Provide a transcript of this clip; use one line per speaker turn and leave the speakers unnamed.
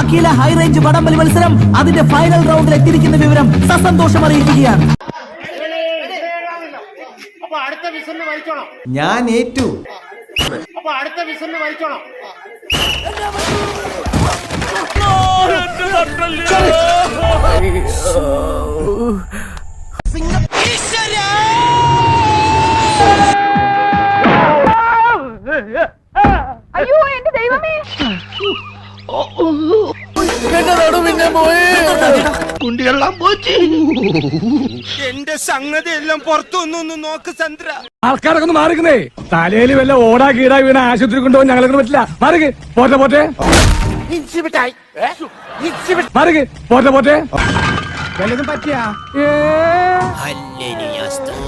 അഖില high range വടംവലി മത്സരം അതിന്റെ ഫൈനൽ റൗണ്ടിൽ എത്തിയിരിക്കുന്ന വിവരം സസന്തോഷം അറിയിക്കുകയാണ്.
ഞാൻ ഏറ്റു.
അടുത്ത വിസിലിന് വലിച്ചോണം.
അയ്യോ എന്റെ ദൈവമേ,
എന്റെ സംഗതി എല്ലാം പുറത്തൊന്നും നോക്ക് ചന്ദ്ര.
ആൾക്കാരൊക്കെ ഒന്ന് മാറിക്കുന്നേ. തലയിൽ വല്ല ഓടാ കീടാ വീണ ആശുപത്രി കൊണ്ടുപോകാൻ ഞങ്ങളെ പറ്റില്ല. മാറിക്ക് പോട്ടെ പോട്ടെ മാറിക്ക് പോട്ടെ പോട്ടെ വല്ലതും പറ്റിയാ